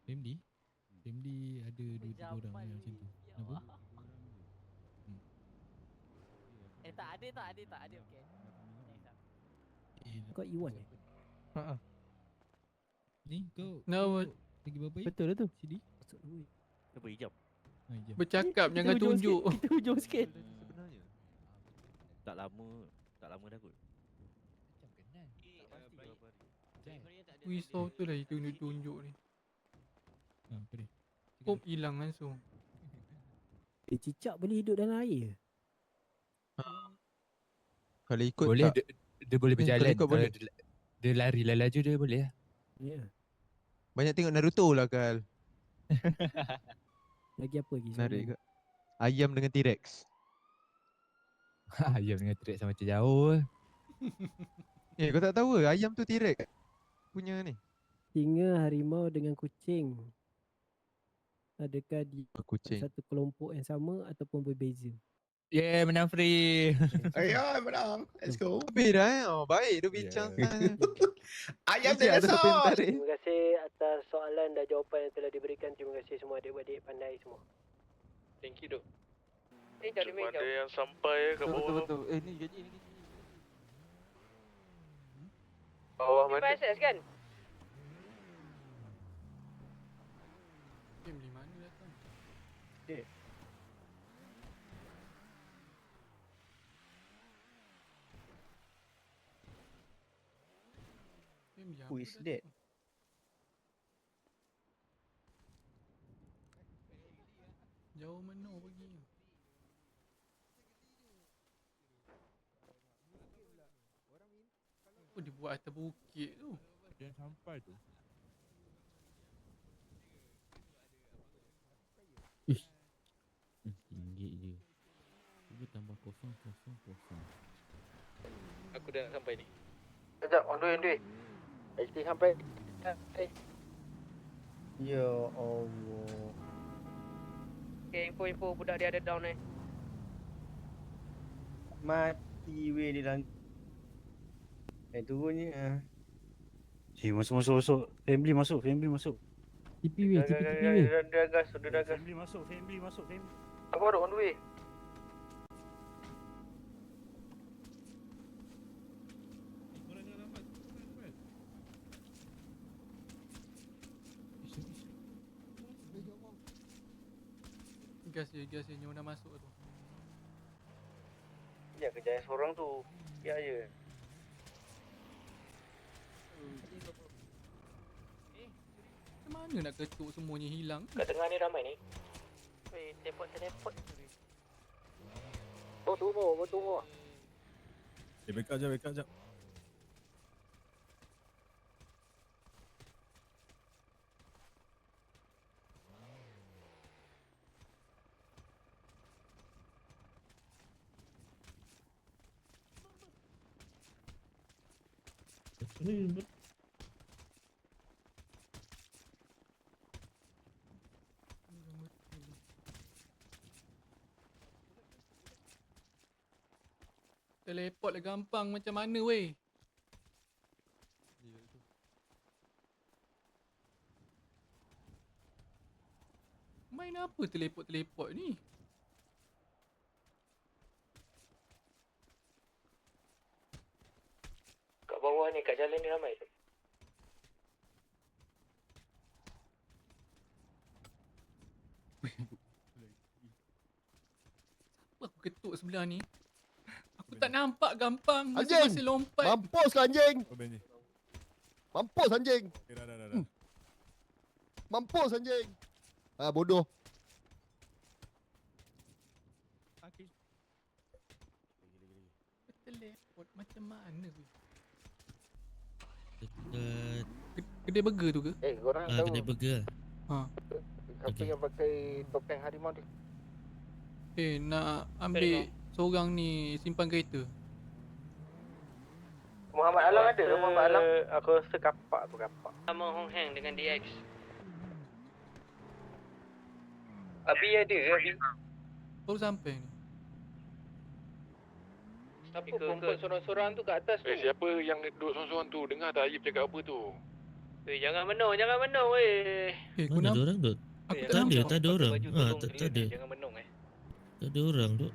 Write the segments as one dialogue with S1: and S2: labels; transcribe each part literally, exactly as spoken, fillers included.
S1: Family? Family ada dua tiga orang yang macam tu. Kenapa? Hmm.
S2: Eh tak ada tak ada tak ada okey. Thanks ah.
S1: Eh,
S3: Kau Iwan eh?
S4: Ha ah.
S1: ni kau
S4: No,
S1: kau lagi berapa ya?
S3: Betul lah tu.
S1: Sini?
S3: Masuk duit.
S5: Apa hijab?
S1: Ha, jam.
S4: bercakap
S3: Kita
S4: jangan
S3: hujung
S4: tunjuk.
S3: sikit, Kita hujung sikit.
S5: Sebenarnya tak lama, tak lama dah kot.
S1: Macam kenal.
S4: Risau tu lah tunjuk-tunjuk ni.
S1: Ha, apa dia?
S4: Kop hilang langsung.
S3: Eh, cicak boleh hidup dalam air.
S6: Kalau ikut
S7: Boleh
S6: tak?
S7: dia, dia boleh
S6: Hmm,
S7: berjalan.
S6: kalau ikut
S7: Kalau
S6: boleh.
S7: dia, dia lari lah laju dia boleh lah.
S3: Ya. Yeah.
S6: Banyak tengok Naruto lah Kal.
S3: Lagi apa lagi?
S6: Menarik
S3: soalan?
S6: ke? Ayam dengan T-Rex.
S7: Ayam dengan T-Rex sama macam jauh lah.
S6: Eh kau tak tahu ke ayam tu T-Rex punya ni.
S3: Singa, harimau dengan kucing. Adakah di
S6: Kucing.
S3: satu kelompok yang sama ataupun berbeza?
S7: Yeah, menang free.
S8: Ayo, menang. Let's go.
S6: Habis dah eh. Oh, baik dia bincang.
S8: Ayam
S6: Mesti ada siapa yang
S8: dinosaur.
S6: tarik.
S3: Terima kasih atas soalan dan jawapan yang telah diberikan. Terima kasih semua adik-adik pandai semua.
S4: Thank you dok.
S3: Eh, jauh
S9: Cuma ada yang sampai ke
S6: Betul betul
S9: bawah.
S6: betul. Eh ni gaji ni gaji.
S4: Bawah mana?
S3: kan?
S4: Family mana datang? Family
S8: Who
S4: apa
S8: is
S4: datang?
S8: that?
S4: Jauh mana pergi? Apa dia buat atas bukit tu?
S7: Dia sampai tu.
S1: Ringgit je. Cuba tambah kosong kosong kosong.
S4: Aku dah nak sampai ni.
S8: Sekejap, on the way, on the way. H D sampai. Ya Allah.
S3: Okay, info-info budak dia ada down eh.
S8: Mati weh dia dalam. Eh turunnya.
S5: Eh, masuk masuk masuk. Family masuk, family masuk.
S3: T P W, T P T P W.
S8: Dia dah gas, dia dah gas.
S5: Family masuk, family masuk, family.
S8: Aku baru on the way.
S4: Gas je, gas je. Nyonya masuk tu.
S8: Ya kerja seorang tu. Ya je.
S4: Macam mana nak ketuk semuanya hilang?
S8: Kat tengah ni ramai ni.
S3: Weh, teleport, teleport.
S8: Oh turun, oh turun.
S9: Eh, backup je, backup je.
S4: Teleport lah gampang macam mana weh? Main apa teleport-teleport ni?
S8: Kat bawah ni, kat jalan ni ramai tu.
S4: Apa aku ketuk sebelah ni? Aku tak nampak gampang.
S10: Anjing!
S4: Masih lompat.
S10: Mampus lah anjing.
S9: Oh, Benny.
S10: Mampus anjing.
S9: Eh, dah, dah, dah, dah.
S10: Mampus anjing. Ah bodoh.
S4: Teleport macam mana weh?
S1: Dekat
S4: Kedai burger tu ke?
S8: Eh, korang
S1: ah,
S8: tahu
S1: kedai burger.
S4: Ha.
S8: siapa
S1: Okey.
S8: yang pakai topeng harimau tu?
S4: Eh, nak ambil seorang ni simpan kereta.
S8: Muhammad Alam ada ke Muhammad Alam?
S10: Aku rasa kapak tu kapak.
S3: Nama Hong Heng dengan D X.
S8: Abi ada ke Abi?
S4: Baru sampai ni.
S3: Siapa perempuan sorang-sorang tu kat atas tu?
S9: Eh, siapa yang duduk sorang-sorang tu? Dengar tak Ayub cakap apa tu?
S3: Weh, jangan menung, jangan menung weh.
S4: Eh, aku
S5: Mana ada
S4: nampak.
S5: orang tu?
S4: Aku
S3: Eh,
S4: tak
S5: Tak ada,
S4: nampak.
S5: tak ada
S3: pakai
S5: orang.
S3: baju
S5: Ah,
S3: tolong
S5: tak,
S3: clear
S5: tak ada.
S3: ni, jangan menung eh.
S5: Tak ada orang tu.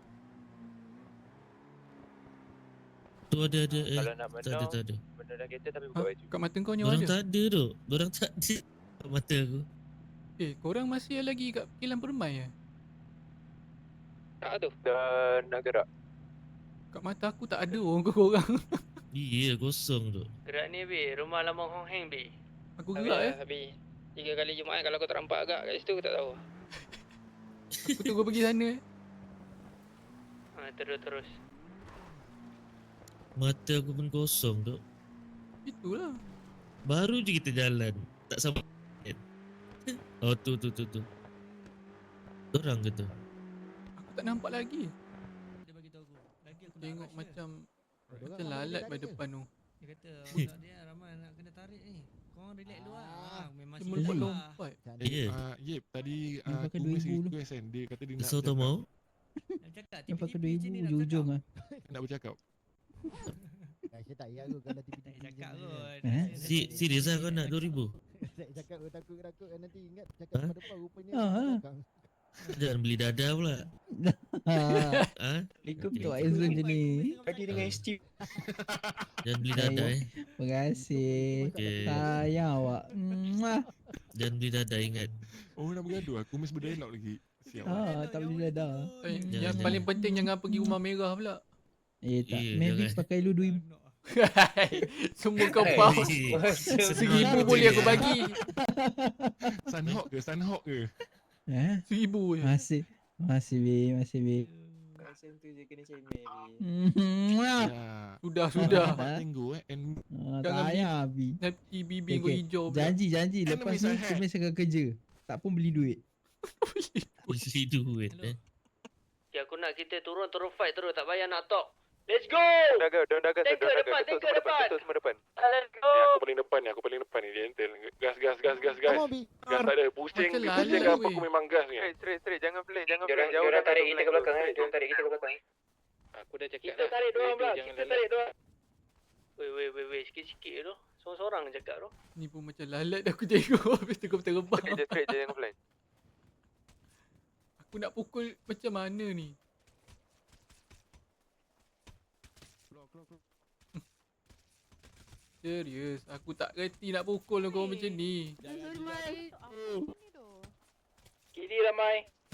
S5: Tu ada ada eh.
S8: Kalau nak
S5: Tak ada,
S8: menung,
S5: tak ada.
S8: benda dalam kereta tapi
S4: Ha?
S8: buka baju.
S4: Kat mata kau ni
S5: Orang
S4: ada?
S5: tak ada tu. Orang tak ada. Kat mata aku.
S4: Eh, korang masih lagi kat kilang permai ya?
S8: Tak tu. Dah nak gerak.
S4: Kat mata aku tak ada orang korang.
S5: Iya, kosong tu.
S3: Gerak ni be, rumah lama Hong Heng be.
S4: Aku gerak eh.
S8: Habis. Tiga kali Jumaat kalau kau terampak agak kat situ aku tak tahu.
S4: Aku tunggu pergi sana eh.
S3: Ha, terus terus.
S5: Mata aku pun kosong tu.
S4: Itulah.
S5: Baru je kita jalan. Tak sampai. Oh tu tu tu tu. Orang ke tu?
S4: Aku tak nampak lagi.
S1: Dia bagi tahu aku. Lagi aku nak
S4: Tengok
S1: rush
S4: macam
S10: Orang
S4: macam
S10: ramai
S4: lalat
S10: dekat
S4: kat
S10: dia.
S4: depan tu.
S1: dia. Dia kata otak dia ramai nak kena tarik ni. Korang relax dulu lah. Ah, memang
S4: Dia
S1: silap
S4: melompat
S1: lah.
S4: lompat.
S5: Ya.
S11: Ah, Yep, tadi
S12: Dia
S11: ah,
S12: pakai
S11: aku
S12: dua
S11: message
S12: ribu
S11: request kan. Dia kata dia nak
S5: Kesau tak
S11: bercakap.
S5: mau?
S1: Nak cakap
S12: Dia pakai
S1: tipi-tipi
S12: dua
S1: je
S12: ribu
S1: ni nak
S12: ujung-ujung
S1: cakap.
S12: ah.
S11: Nak bercakap.
S10: Saya tak payah aku kalau
S1: Tak
S10: tipi-tipi
S1: payah cakap
S10: macam ni.
S1: kot.
S12: Eh?
S5: Si, serius lah kau nak dua ribu?
S10: Saya cakap aku takut-takut kan nanti ingat cakap
S5: Ha?
S10: pada depan rupanya
S12: Ah,
S10: kat
S12: ha.
S10: belakang.
S5: Jangan beli dada pula.
S12: Ha.
S5: Ha?
S12: Ikut
S5: Okey,
S12: tu
S5: okey.
S12: Aizun je ni.
S8: Tadi dengan Steve.
S5: Jangan beli dada eh.
S12: Terima kasih.
S5: Okey.
S12: Sayang awak. Mwah.
S5: Jangan beli dada ingat.
S11: Oh, nak bergaduh. Aku mesti berdialog lagi. Siap.
S12: Ah, tak boleh dah.
S4: Eh,
S5: Jangan,
S4: yang
S5: jangan.
S4: paling penting jangan pergi rumah merah pula.
S12: Eh tak.
S5: Eh,
S12: Mavic
S5: jangan.
S12: pakai lu dua ribu.
S4: Semua kau faham. Seribu boleh aku bagi.
S11: Sunhawk ke? Sunhawk ke?
S12: Eh?
S4: Seribu je.
S12: Masih. Masih be, masih be.
S8: Macam tu je kena cemeh.
S12: Mwah.
S11: Ya.
S4: Sudah, sudah.
S11: Nampak Tango eh. And
S12: Ah,
S4: Jangan
S12: tak
S4: beli.
S12: payah Abi.
S4: Nanti bibir
S12: Okey,
S4: kau hijau pula.
S12: Janji, janji. Lepas
S11: Enemies
S12: ni
S11: ahead.
S12: Kumis akan kerja. Tak pun beli duit.
S5: Isi duit eh.
S3: Ya, aku nak kita turun terus fight terus, tak payah nak talk. Let's go.
S8: Daga, daga, daga,
S3: Tanker depan, tanker depan.
S8: Ketul semua depan.
S3: Let's go.
S11: ni aku paling depan ni. Aku paling depan ni. Dia entel. Gas, gas, gas, gas, gas.
S10: Come on, B.
S11: Gas tak ada. Pusing.
S4: Macam
S11: Pusing
S4: lalat
S11: apa.
S4: weh.
S11: Aku memang gas ni.
S8: Straight, straight, straight. Jangan play, jangan play.
S3: Diorang-
S8: Jauh
S3: diorang
S8: dah
S3: tarik
S8: satu
S3: kita
S8: flank
S3: ke belakang,
S8: tu.
S3: eh. Diorang tarik kita ke belakang, eh.
S11: Aku dah cakap
S3: Kita
S11: dah.
S3: tarik dua
S11: Dia-
S3: orang
S11: dia
S3: belah.
S11: jangan
S3: Kita
S11: lalat.
S3: tarik dua. Weh, weh, weh, weh. Sikit-sikit je tu. Seorang-seorang je cakap tu.
S4: Ni pun macam lalat dah aku tengok. Habis tu kau terbang.
S8: Straight je, straight je, jangan flank.
S4: Aku nak pukul macam mana ni? Serius, aku tak reti nak pukul kau macam ni.
S3: Kiri ramai.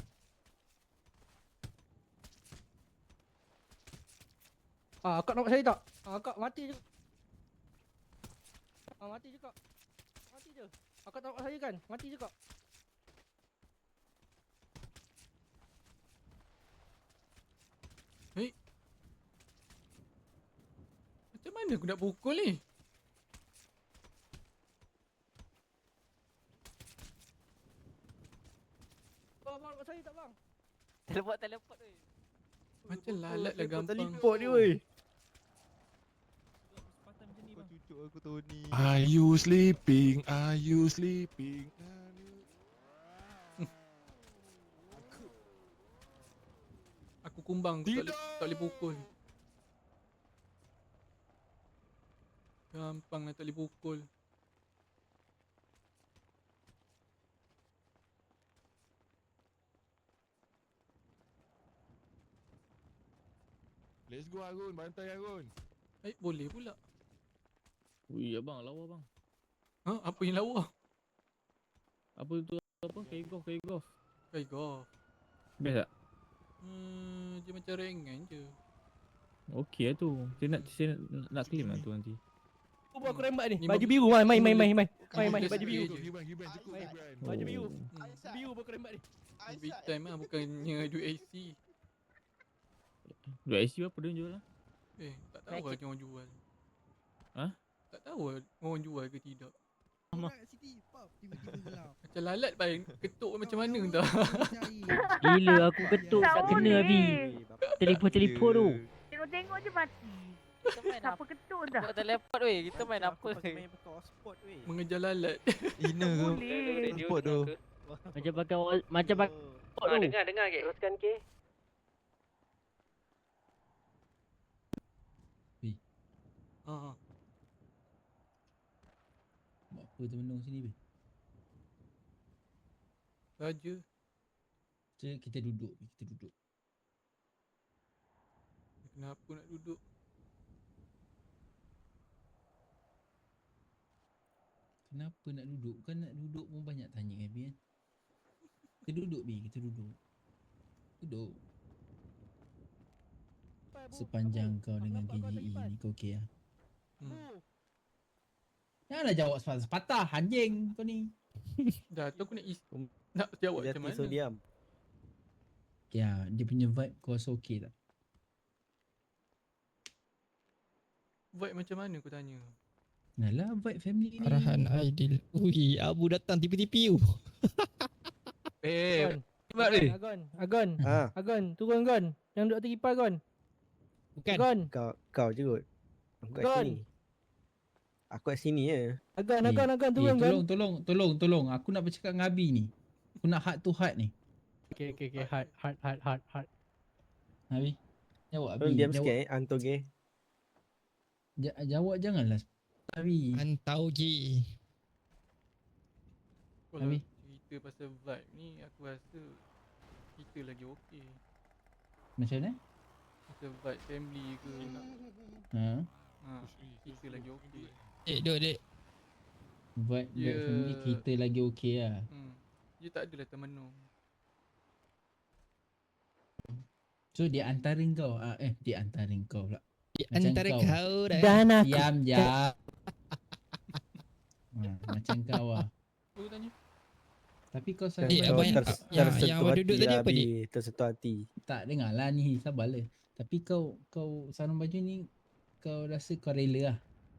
S10: Ah, akak nampak saya tak? Ah, akak mati je. Ah, mati je kak. Mati je. Akak tak nampak saya kan? Mati je kak.
S4: Macam mana aku nak pukul ni?
S10: Bang, bang, nampak saya tak bang?
S2: Teleport, teleport tu.
S4: Macam lalat lah gampang.
S10: Teleport ni weh.
S6: Kau cucuk aku Tony.
S11: Are you sleeping? Are you sleeping? Are you-
S4: Aku kumbang, aku tak boleh,
S11: Tidak.
S4: tak boleh pukul. Gampang lah tak boleh pukul.
S11: Let's go Arun, bantai Arun.
S4: Eh, boleh pula.
S5: Ui abang lawa bang.
S4: Ha? Apa yang lawa?
S5: Apa tu apa? Kayak golf, kayak golf.
S4: Kai golf.
S5: Best tak?
S4: Hmm, dia macam ringan je.
S5: Okey lah tu. Saya nak saya nak, nak claim lah tu nanti.
S10: Aku aku rembat ni.
S4: Ni
S10: Baju
S4: bagi-
S10: biru main main main main main.
S4: Kamu
S10: Main main
S4: just
S10: baju biru.
S4: play je.
S11: Gibran, Gibran, cukup
S10: Main.
S11: Gibran.
S10: Baju biru.
S4: Hmm.
S10: Biru aku rembat ni.
S4: Big time lah, bukannya duit A C.
S5: Duit I C berapa dia jual lah?
S4: Eh, tak tahu lah dia orang jual.
S5: Ha?
S4: Tak tahu lah orang jual ke tidak.
S12: City pop tiba-tiba gelap.
S4: Macam lalat paling ketuk macam mana entah.
S12: Gila aku ketuk
S13: tak kena Abi.
S12: Telefon-telefon tu.
S13: Tengok-tengok je mati.
S2: Kita main
S13: Siapa
S2: apa?
S13: ketuk dah?
S2: Buat teleport weh. Kita main apa?
S4: Mengejar lalat.
S6: Ina ke?
S13: Boleh.
S6: Support tu.
S12: Macam pakai macam pakai
S3: Ah, dengar, dengar ke? Teruskan ke?
S4: Ha.
S14: Temenung sini, Bi?
S4: Raja.
S14: Cik, kita duduk, Bi. Kita duduk.
S4: Kenapa nak duduk?
S14: Kenapa nak duduk? Kan nak duduk pun banyak tanya kan, Bi kan? Kita duduk, Bi. Kita duduk. Duduk. Sepanjang kau dengan K J E ni kau okey lah.
S4: Hmm.
S14: Janganlah jawab sepatah-sepatah, anjing kau ni.
S4: Dah tu aku nak is nak jawab macam mana?
S3: So diam.
S14: Ya, dia punya vibe kau rasa okey tak?
S4: Vibe macam mana aku tanya?
S14: Nalah vibe family ni.
S5: Arahan Aidil. Ui, Abu datang tipi-tipi tu.
S7: Eh,
S10: Agon.
S7: Mat ni.
S10: Agon, Agon,
S3: Ha,
S10: Agon, turun Gon. Yang duduk atas kipas Gon.
S5: Bukan.
S10: Agon,
S3: kau kau je kot. Aku kat
S10: Gon.
S3: sini. Aku kat sini je.
S10: Agon,
S14: Eh,
S10: Agon, Agon,
S14: Eh,
S10: turun Gon.
S14: tolong, tolong, tolong, tolong. Aku nak bercakap dengan Abi ni. Aku nak heart to heart ni.
S10: Okay, okay, okay. Hard, hard, hard, hard, hard.
S14: Abi. Jawab,
S3: Tolong
S14: Abi.
S3: diam
S14: Jawab,
S3: sikit eh, Anto ge.
S14: ja- jawab janganlah. Abi.
S5: Antau je.
S4: Kalau
S14: Abi.
S4: cerita pasal vibe ni aku rasa kita lagi okey.
S14: Macam mana?
S4: Pasal vibe family ke.
S14: Ha?
S4: Ha, kita lagi okey.
S5: Dek, duduk dek.
S14: Vibe,
S4: Ya.
S14: vibe family kita lagi okey lah.
S4: Hmm. Dia tak adalah termenung.
S14: So di antara kau, ah, eh di antara kau pula.
S5: Di
S14: Macam
S5: antara
S14: kau.
S5: kau dah.
S10: Dan aku.
S14: Diam je. Ha, macam kau lah.
S4: Aku tanya.
S14: Tapi kau
S5: Eh,
S14: sampai
S5: abang yang-
S3: ter-
S5: yang-
S3: tersentuh
S5: yang abang
S3: hati
S5: duduk tadi
S3: lah,
S5: apa,
S3: Bi.
S5: Dik?
S3: Tersentuh hati.
S14: tak dengar lah ni, sabarlah. Tapi kau kau sarung baju ni kau rasa kau rela lah.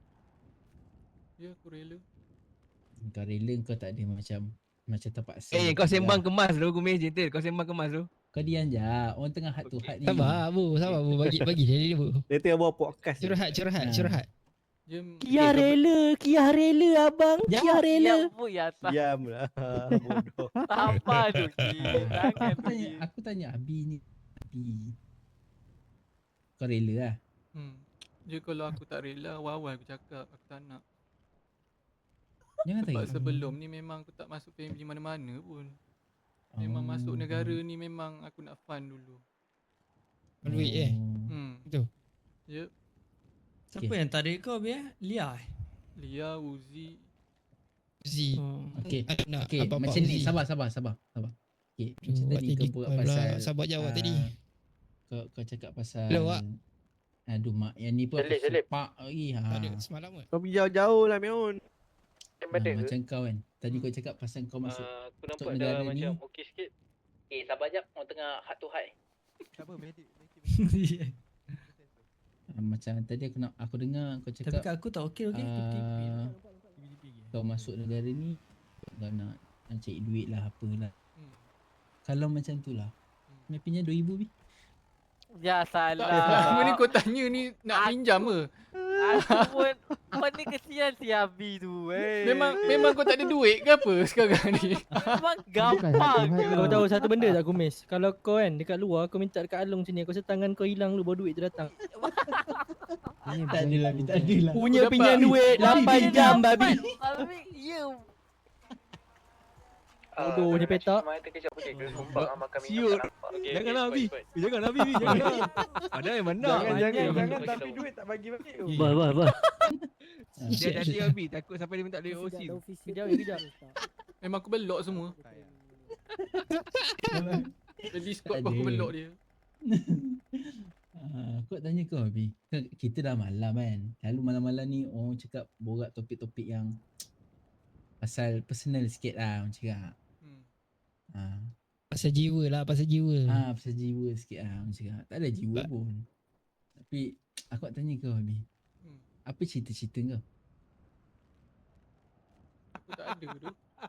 S4: Ya aku rela.
S14: Kau rela kau tak ada macam macam terpaksa.
S7: Eh, kau
S14: gitu
S7: sembang
S14: lah.
S7: kemas tu, kumis je tu. Kau sembang kemas tu.
S14: Kau diam je. Orang tengah heart to heart ni.
S5: Sabar, Abu. Sabar, Abu. Bagi, bagi dia dulu.
S3: Dia tengah buat podcast. ni.
S5: Curhat, curhat,
S14: Ha.
S5: curhat.
S4: Dia
S10: Kia rela, Kia rela abang. Kia rela.
S2: Ya bu ya tak.
S3: Diam lah. Bodoh.
S2: Apa tu Ki? Jangan
S14: Aku tanya,
S2: pergi.
S14: aku tanya Abi ni. Abi. Kau rela lah.
S4: Hmm. Dia kalau aku tak rela, awal-awal aku cakap aku tak nak.
S14: Jangan
S4: Sebab
S14: tanya.
S4: sebelum ni memang aku tak masuk family mana-mana pun. Memang
S14: Oh.
S4: masuk negara ni memang aku nak fun dulu.
S5: Duit eh.
S4: Hmm.
S5: Betul.
S4: Ya.
S14: Siapa
S12: yang tarik kau biar? Lia eh?
S4: Lia, Uzi.
S5: Z.
S14: Okey.
S5: Aku nak
S14: Okey,
S5: apa-apa
S14: macam ni.
S5: Uzi.
S14: Sabar, sabar, sabar. sabar. Okey,
S5: Tu,
S14: macam
S5: buat
S14: tadi
S5: tadi
S14: kau buat
S5: kau
S14: pasal.
S5: pula sabar jawab
S14: ah,
S5: tadi.
S14: Kau kau cakap pasal.
S5: Hello, Wak.
S14: Aduh mak, yang ni pun
S3: Selip,
S14: aku
S3: selip.
S14: sepak lagi. Ha.
S5: Tak ada semalam ke?
S3: Kau pergi jauh-jauh lah, Meon.
S14: Ha, macam kau kan. Tadi kau cakap pasal kau masuk.
S3: Ah, aku
S14: masuk negara ni.
S3: okey sikit.
S2: Eh sabar jap, orang tengah heart to heart.
S6: Tak apa, medik.
S14: Ah, macam tadi aku nak aku dengar kau
S12: Tapi
S14: cakap
S12: kat aku tak okey okey.
S14: ah, kau masuk negara ni kau nak, nak cari duit lah apalah.
S4: Hmm.
S14: Kalau macam tu lah. Mapinya dua ribu bi.
S2: Ya
S4: Tak,
S2: salah.
S4: selama ni kau tanya ni nak pinjam ke?
S2: Aku pun kau ni kesian si Abi tu. Eh.
S4: Memang memang kau tak ada duit ke apa sekarang ni?
S2: memang gampang je.
S10: Kau tahu satu benda tak Kumis? Kalau kau kan dekat luar kau minta dekat Along sini, kau rasa tangan kau hilang lu baru duit tu datang.
S14: Tak adalah, tak adalah.
S10: Punya
S4: dapat.
S10: pinjam duit lapan jam babi.
S2: Abi, ya.
S10: Bodoh je petak.
S7: Siut. Janganlah, Abi. Janganlah, Abi. Janganlah. Padahal mana?
S3: Jangan, jangan, jangan. Tapi duit tak bagi balik.
S12: Bah bah bah.
S7: Dia nanti Abi. Takut sampai dia minta duit O C tu.
S10: Kejap ya kejap.
S4: Memang aku belok semua. Di Discord pun aku
S14: ada.
S4: belok dia.
S14: Ah, aku nak tanya kau Abi. Kan kita dah malam kan. Lalu malam-malam ni orang cakap borak topik-topik yang pasal personal sikit lah orang cakap.
S4: Hmm.
S14: Ah,
S5: Pasal jiwa lah, pasal jiwa.
S14: ah pasal jiwa sikit lah orang cakap. Tak ada jiwa
S5: Ba-
S14: pun. Tapi aku nak tanya kau Abi.
S4: Hmm.
S14: Apa cerita-cerita kau?
S4: Aku tak ada tu.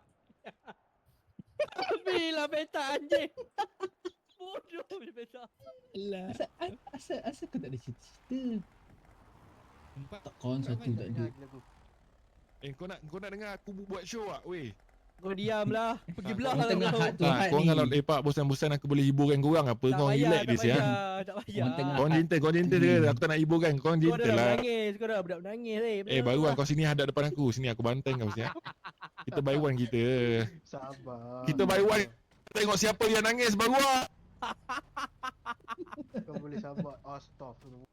S10: Abi lah petak anjing. Bodoh je petak.
S5: Alah.
S14: Asal, asal, asal kau tak ada cerita-cerita?
S5: Empat.
S14: Tak kawan satu tak ada.
S11: Eh, kau nak kau nak dengar aku bu- buat show tak, weh?
S10: Kau diam lah. Pergi belah
S14: Orang
S10: lah
S14: tengah
S10: kau.
S14: heart to
S11: Tak,
S14: heart
S11: kau
S14: ni.
S11: kalau lepak bosan-bosan aku boleh hiburkan korang apa?
S10: Tak
S11: Kau
S10: payah,
S11: relax
S10: tak
S11: dia siang.
S10: payah, tak payah.
S14: Orang tengah-
S11: Kau gentle, kau gentle dia. Aku tak nak hiburkan. Kau
S10: Kau dah
S11: gentle lah.
S10: menangis, kau dah budak menangis eh.
S11: Eh, baru kan kau sini hadap depan aku. Sini aku banteng kau siang. Kita buy one kita.
S6: Sabar.
S11: Kita buy one. Tengok siapa yang nangis baru ah.
S6: Kau boleh sabar. Astaghfirullah.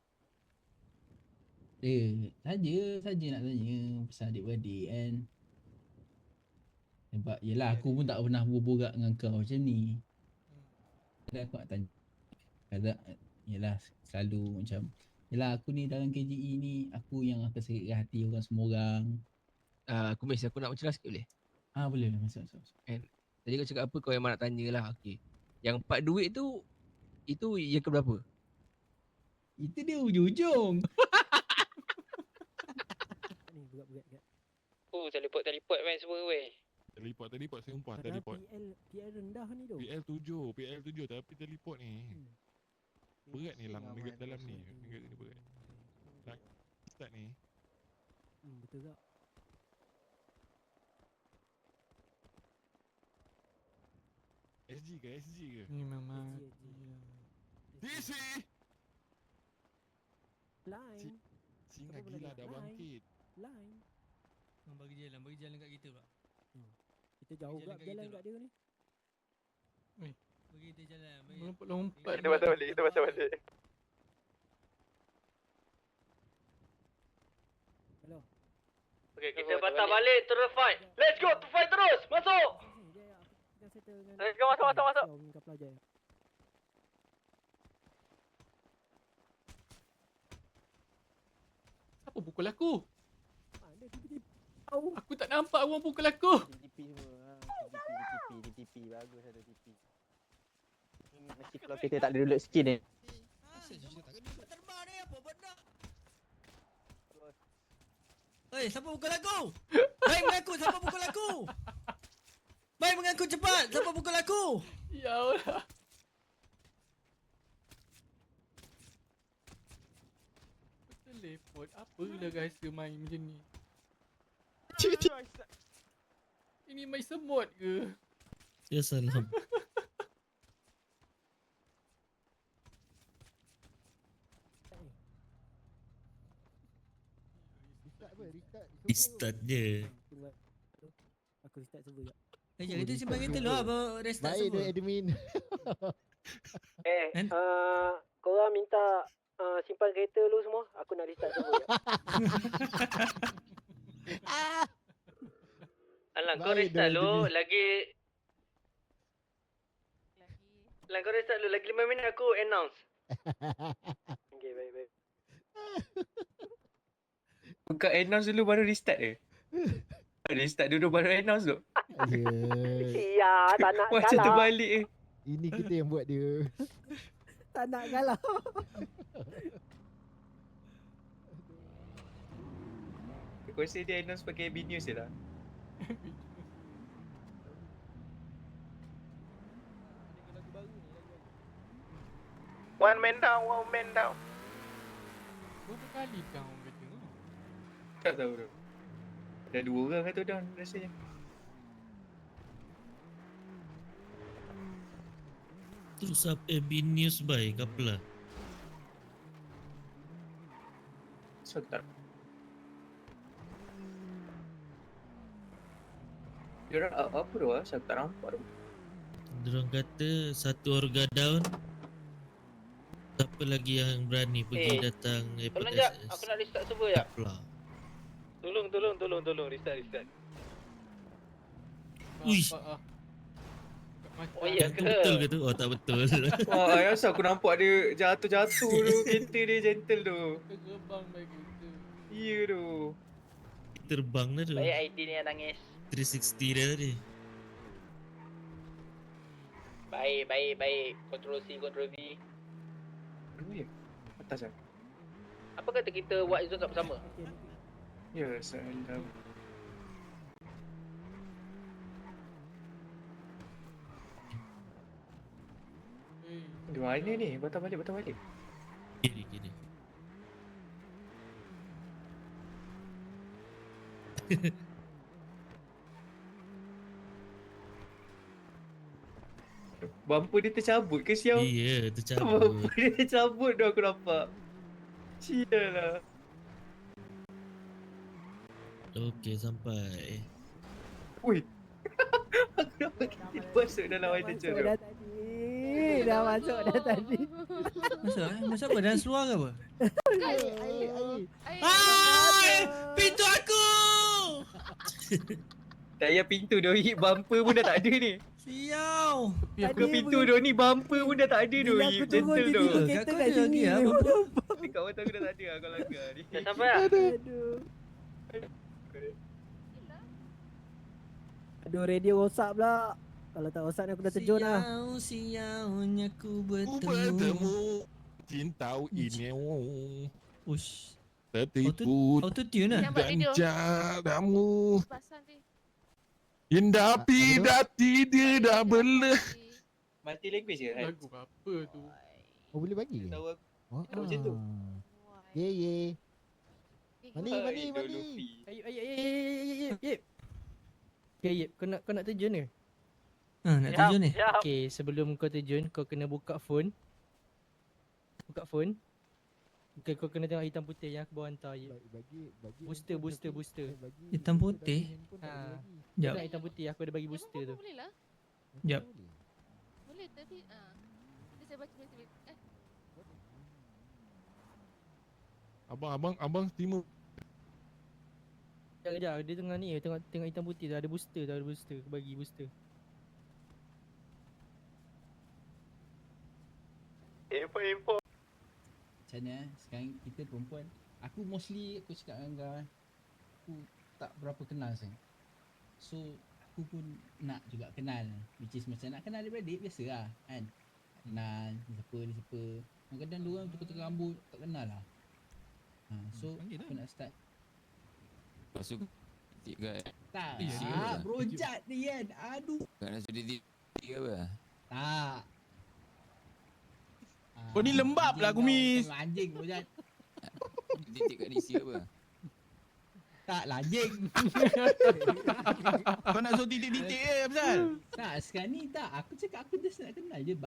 S14: Eh, saja, saja nak tanya pasal adik-beradik kan. Sebab yelah aku pun tak pernah berborak dengan kau macam ni. Kadang aku nak tanya. Kadang yelah selalu macam yelah aku ni dalam K J E ni aku yang akan sakitkan hati orang semua orang.
S7: Ah, aku mes aku nak mencelah sikit boleh?
S14: Ah boleh boleh masuk masuk. masuk.
S7: Tadi kau cakap apa kau yang nak tanya lah. Okey. Yang part duit tu itu yang keberapa?
S14: Itu dia ujung-ujung.
S3: Ni berat-berat kat.
S8: Oh, teleport-teleport main semua weh.
S11: Teleport, teleport sumpah
S3: Padahal
S11: teleport.
S3: P L P L rendah ni tu.
S11: P L tujuh, P L tujuh tapi teleport ni. Berat ni lang dekat dalam ni. Dekat ni berat. Nak start ni.
S3: Hmm, betul tak?
S11: S G ke S G ke?
S4: Ni memang
S3: S G,
S11: D C.
S3: Line.
S11: Singa
S3: Apa benda
S11: gila
S3: ni?
S11: dah
S3: Line.
S11: bangkit.
S3: Line.
S12: Bang bagi jalan, bagi jalan kat kita pula.
S3: Kita jauh
S12: Jalan
S3: kat
S12: kat
S3: jalan
S12: kita
S3: kat dia ni.
S12: Bagi kita jalan, bagi.
S4: lompat-lompat.
S8: Kita patah balik, kita patah balik.
S3: Hello.
S8: Okay, kita patah balik terus fight. Let's go to fight terus. Masuk.
S3: Sini dia aku tengah settle dengan.
S8: Let's go, masuk, masuk, masuk.
S3: Kau minta pelajar.
S4: Siapa pukul aku?
S3: Ada tiba-tiba. Au.
S4: Aku tak nampak orang pukul aku.
S2: T P semua. T P, T P, T P. Bagus ada T P. Mesti kalau kita tak ada dulu skin ni.
S12: Terbang ni apa benda? Hei, siapa pukul aku? Baik mengaku, siapa pukul aku? Baik mengaku cepat, siapa pukul aku?
S4: Ya Allah. Teleport apa lah rahsia main macam ni? Ini main semut ke?
S5: Ya salam.
S6: Restart apa? Restart.
S5: Start je.
S3: Aku restart server jap.
S12: Eh, jangan kita simpan kereta lah, bawa restart
S6: Baik
S12: semua.
S6: tu admin.
S3: Eh,
S12: Kan?
S3: uh, korang minta uh, simpan kereta lu semua. Aku nak restart server jap.
S8: Alang, kau
S6: Baik
S8: restart
S6: dah,
S8: lu
S6: Admin.
S8: lagi. Alang, kau restart lu lagi lima minit aku announce.
S3: Okay, baik baik.
S8: Buka announce dulu baru restart ke? Restart dulu baru announce tu.
S3: Ya, tak nak
S8: Macam
S3: kalah.
S8: terbalik eh.
S6: Ini kita yang buat dia.
S3: Tak nak kalah.
S8: Aku rasa dia announce pakai B News je lah. One man down, one man down.
S4: Berapa kali kau orang kata tu?
S8: Tak tahu tu. Ada dua orang kata down rasanya.
S5: Terus up A B News by Kapla.
S8: So tak. Dia orang apa tu ah? Saya tak nampak tu.
S5: Diorang kata satu orga down. Siapa lagi yang berani pergi
S8: Eh,
S5: datang airport
S8: Tolong jap,
S5: S S?
S8: aku nak restart server jap.
S5: Kapla.
S8: Tolong, tolong, tolong, tolong restart, restart.
S5: Uish.
S4: Nampak ah. Kat mata.
S8: Oh ya
S5: Itu
S8: ke?
S5: betul ke tu? Oh tak betul.
S8: Wah, ayah asal aku nampak dia jatuh-jatuh tu, kereta dia gentle tu.
S4: Terbang baik kita.
S8: Ya tu.
S5: Terbang dah tu.
S2: I D ni yang nangis.
S5: tiga enam nol dia tadi.
S8: Baik, baik, baik. Control C, Control V. Mana ya? Atas ah. Apa kata kita buat zone sama-sama? Ya, salam.
S4: Hey,
S8: Di mana ni? Batal balik, batal balik.
S5: Kiri kiri.
S8: Bumper dia tercabut ke sial?
S5: Iya,
S8: Bumper
S5: tercabut.
S8: dia tercabut dah aku nampak. Sial lah.
S5: Okey, sampai.
S8: Ui. Aku dah masuk dalam white teacher tu.
S10: Dah tadi. Dah masuk dah tadi.
S12: Masuk eh? Masuk apa? Dalam seluar ke apa?
S10: Air, air, air.
S12: Hai! Pintu aku!
S8: Tak payah pintu dia hit bumper pun dah tak ada ni.
S12: Siau!
S8: Buka pintu dia ni bumper pun dah tak ada tu.
S10: Bila aku turun
S8: Gentle tu.
S10: tiba-tiba kereta
S12: Kau
S10: kat
S12: ada
S10: sini.
S12: lagi ah?
S8: Dekat mata aku dah tak ada kau langgar ni.
S3: Dah sampai tak?
S10: Aduh. Aduh, radio rosak pula. Kalau tak rosak ni aku dah terjun lah.
S12: Siau, siaunya ku
S11: Ku
S12: bertemu.
S11: bertemu cinta ini
S12: Ush.
S11: tertipu
S12: Auto tune lah.
S11: ganjaramu indah pidati dia dah belah.
S8: Mati language ke?
S4: Lagu apa tu?
S6: Oh boleh bagi ke?
S8: Tahu aku.
S6: Oh,
S8: Tahu macam tu.
S6: Ye ye. Mani
S8: Hai,
S6: mani
S8: Idol
S6: mani.
S8: Luffy.
S10: Ayup, ayup, ayup, ayup, ayup, ayup. Okay, Yip, kau nak, kau nak terjun ke?
S12: Ha, nak terjun ni.
S10: Okay, sebelum kau terjun, kau kena buka phone. Buka phone. Okay, kau kena tengok hitam putih yang aku bawa hantar, Yip.
S6: Bagi bagi.
S10: Booster, booster, booster.
S12: Hitam putih.
S10: Ha.
S12: Jap.
S10: Nak hitam putih, aku ada bagi booster tu.
S13: Boleh lah.
S12: Jap.
S13: Boleh tapi ah. Nanti saya baca baca. Eh,
S11: Abang abang abang terima.
S10: Sekejap, sekejap. Dia tengah ni, tengok tengok hitam putih tu. Ada booster tu, ada booster. Aku bagi booster.
S2: Info info.
S14: Macam mana eh? Sekarang kita perempuan, aku mostly aku cakap dengan kau eh, aku tak berapa kenal sangat. So aku pun nak juga kenal, which is macam nak kenal adik-beradik biasa lah kan. Kenal ni siapa ni siapa. Kadang-kadang dua orang tukar-tukar rambut tak kenal lah. Ha, so
S1: panggil
S14: aku
S1: lah.
S14: nak start.
S15: Masuk titik guys.
S14: Tak,
S1: Eh, serius
S14: ah,
S1: lah.
S14: bro jat ni kan. Aduh.
S15: Kau nak sudah titik ke apa?
S14: Tak.
S11: Kau ni lembab lah, Kumis.
S14: Anjing bro jat.
S15: Titik kat D C apa?
S14: Tak lah anjing.
S11: Kau nak suruh titik-titik eh, Abzal?
S14: Tak, sekarang ni tak. Aku cakap aku just nak kenal je.